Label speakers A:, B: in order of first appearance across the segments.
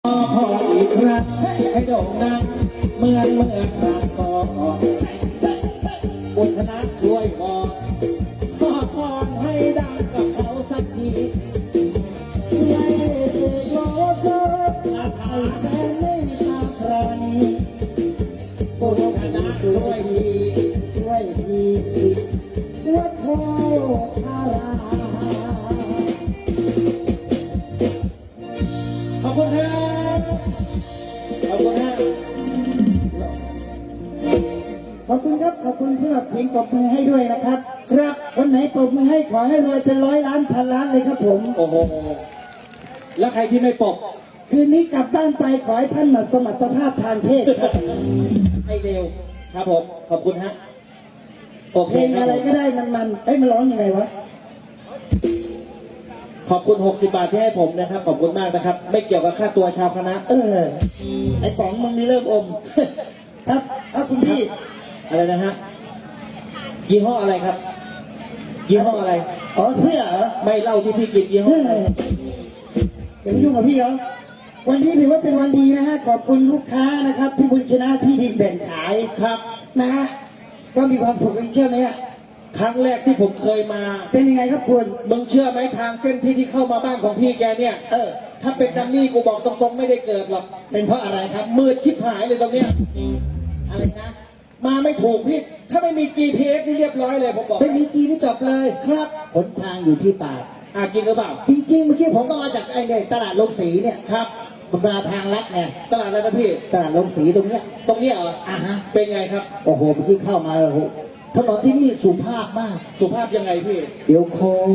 A: พออีกครั้งให้โด่งดังเมื่อครั้งก่อนบุญชนะช่วยบอกขอพรให้ดังกับเขาสักทีไม่ถูกล้อเลิกอาถรรพ์แม่ไม่ตาพราณีบุญชนะช่วยทีวัดโพธารามขอบคุณครับขอบคุณครับขอบคุณครับขอบคุณสำหรับเพลงปรบมือให้ด้วยนะครับครับวันไหนปรบมือให้ขอให้รวยเป็น100 ล้านพันล้านเลยครับผมโอ้โหแล้วใครที่ไม่ปรบคืนนี้กลับบ้านไปขอให้ท่านสมรรถภาพทางเพศครับให้เร็วครับผมขอบคุณฮะเพลงอะไรก็ได้มันร้องยังไงวะขอบคุณ60 บาทที่ให้ผมนะครับขอบคุณมากนะครับไม่เกี่ยวกับค่าตัวชาวคณะไอ้ป๋องมึงนี่เริ่มอมครับคุณพี่อะไรนะฮะยี่ห้ออะไรครับยี่ห้ออะไรอ๋อเสื้อเหรอไม่เล่าที่พี่กินยี่ห้ออะไรอย่าไปยุ่งกับพี่เขาวันนี้ถือว่าเป็นวันดีนะฮะขอบคุณลูกค้านะครับที่บุญชนะที่ดินแบ่งขายครับนะฮะก็มีความสุขเชื่อไหมฮะครั้งแรกที่ผมเคยมาเป็นยังไงครับคุณมึงเชื่อไหมทางเส้นที่เข้ามาบ้านของพี่แกเนี่ยถ้าเป็นดัมมี่กูบอกตรงๆไม่ได้เกิดหรอกเป็นเพราะอะไรครับมืดชิบหายเลยตรงเนี้ยอะไรนะมาไม่ถูกพี่ถ้าไม่มี GPS นี่เรียบร้อยเลยผมบอกไม่มี G นี่จบเลยครับหนทางอยู่ที่ปากจริงหรือเปล่าจริงเมื่อกี้ผมก็มาจากไอ้เนี่ยตลาดโรงสีเนี่ยครับมันมาทางลัดไงตลาดอะไรนะพี่ตลาดโรงสีตรงเนี้ยเหรอฮะเป็นไงครับโอ้โหเมื่อกี้เข้ามาโอ้โหถนนที่นี่สุภาพมากสุภาพยังไงพี่เดี๋ยวโค้ง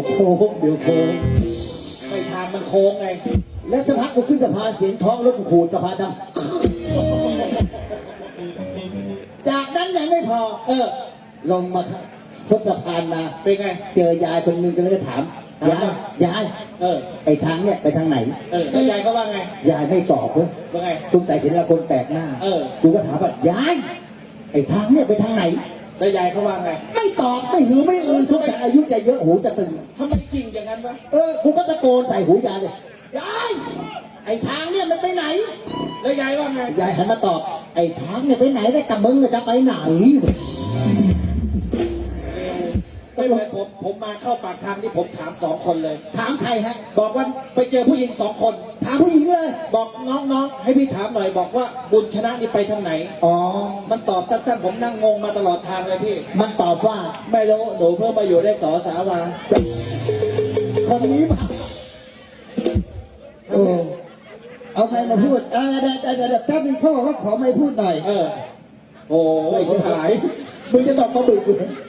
A: ไปทางมันโค้งไงแล้วจะพักกูขึ้นสะพานเสียงท้องรถกูขูดสะพานดำจากนั้นยังไม่พอลงมาพบสะพานมาเป็นไงเจอยายคนนึงก็เลยถามยายไอ้ทางเนี่ยไปทางไหนแล้วยายก็ว่าไงยายไม่ตอบเว้ยว่าไงสงสัยเห็นเราคนแปลกหน้ากูก็ถามว่ายายไอ้ทางเนี่ยไปทางไหนแล้วยายเขาว่าไงไม่ตอบไม่หือไม่สงสัยอายุจะเยอะหูจะตึงทำไมจริงอย่างนั้นวะกูก็ตะโกนใส่หูยายเลยยายไอ้ทางเนี่ยมันไปไหนแล้วยายว่าไงยายหันมาตอบไอ้ทางเนี่ยไปไหนได้แต่มึงจะไปไหนไม่เลยผมมาเข้าปากทางที่ผมถาม2 คนเลยถามใครฮะบอกว่าไปเจอผู้หญิง2 คนถามผู้หญิงเลยบอกน้องให้พี่ถามหน่อยบอกว่าบุญชนะนี่ไปทางไหนมันตอบสั้นๆผมนั่งงงมาตลอดทางเลยพี่มันตอบว่าไม่รู้หนูเพิ่งมาอยู่ได้2 สาวาคนนี้ป่ะเอาใครมาพูดเดี๋ยวแป๊บนึงเขาบอกว่าขอไม่พูดหน่อยโอ้ยชิบหายมึงจะตอบมาบึก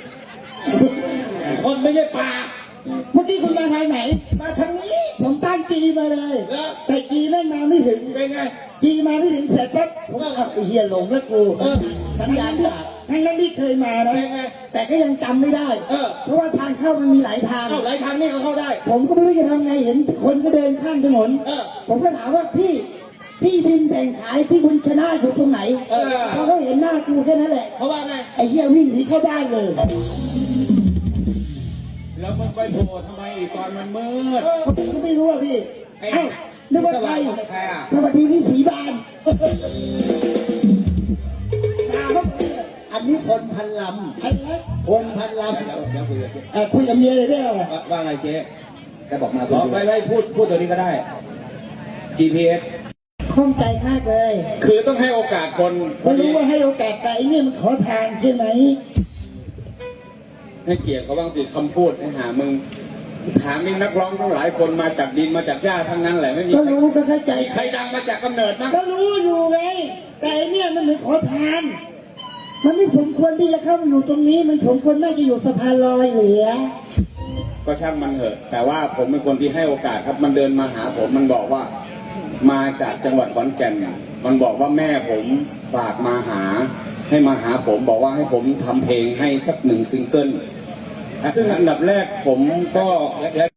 A: คนไม่ใช่ปากเมื่อกี้คุณมาทางไหนมาทางนี้ผมตั้งจีมาเลยแต่จีแม่งมาไม่ถึงเป็นไงจีมาไม่ถึงเสร็จปั๊บผมก็ไอ้เหี้ยหลงแล้วกูสัญญาณขาดทั้งนั้นที่เคยมานะแต่ก็ยังจำไม่ได้เพราะว่าทางเข้ามันมีหลายทางหลายทางนี่ก็เข้าได้ผมก็ไม่รู้จะทำไงเห็นคนก็เดินข้ามถนนผมก็ถามว่าพี่ดินแบ่งขายที่บุญชนะอยู่ตรงไหนเขาเห็นหน้ากูแค่นั้นแหละเพราะว่าไงไอ้เหี้ยวิ่งหนีเข้าบ้านเลย
B: แล้วมันไปโผล่ทำไมอีกตอนมันมืด
A: ผมก็ไม่รู้อ่ะพี่นึกว่าใครสวัสดีพี่สีบานอันนี้พลพันลำพลพันลำ
B: เดี๋ยว
A: คุยกับเมียเลยได้ไหม
B: ว่าไงเจ๊
A: จะบอกมา
B: ไว้พูดตัวนี้ก็ได้ GPS
A: ข้องใจมากเลย
B: คือต้องให้โอกาสคน
A: ไม่รู้ว่าให้โอกาสแต่อันนี้มันขอทางใช่ไหม
B: ให้เกียรติเขาบ้างสิคำพูดให้หามึงถามนี่นักร้องทั้งหลายคนมาจากดินมาจากหญ้าทั้งนั้นแหละไม่มี
A: ก็รู้ก็เข้าใจ
B: ใครดังมาจากกำเนิดมั้ง
A: ก็รู้อยู่ไงแต่เนี่ยมันเหมือนขอทานมันไม่สมควรที่จะเข้ามาอยู่ตรงนี้มันสมควรน่าจะอยู่สะพานลอยเหลือ
B: ก็ช่างมันเถอะแต่ว่าผมเป็นคนที่ให้โอกาสครับมันเดินมาหาผมมันบอกว่ามาจากจังหวัดขอนแก่นมันบอกว่าแม่ผมฝากมาหาให้มาหาผมบอกว่าให้ผมทำเพลงให้สัก1 ซิงเกิลซึ่งอันดับแรกผมก็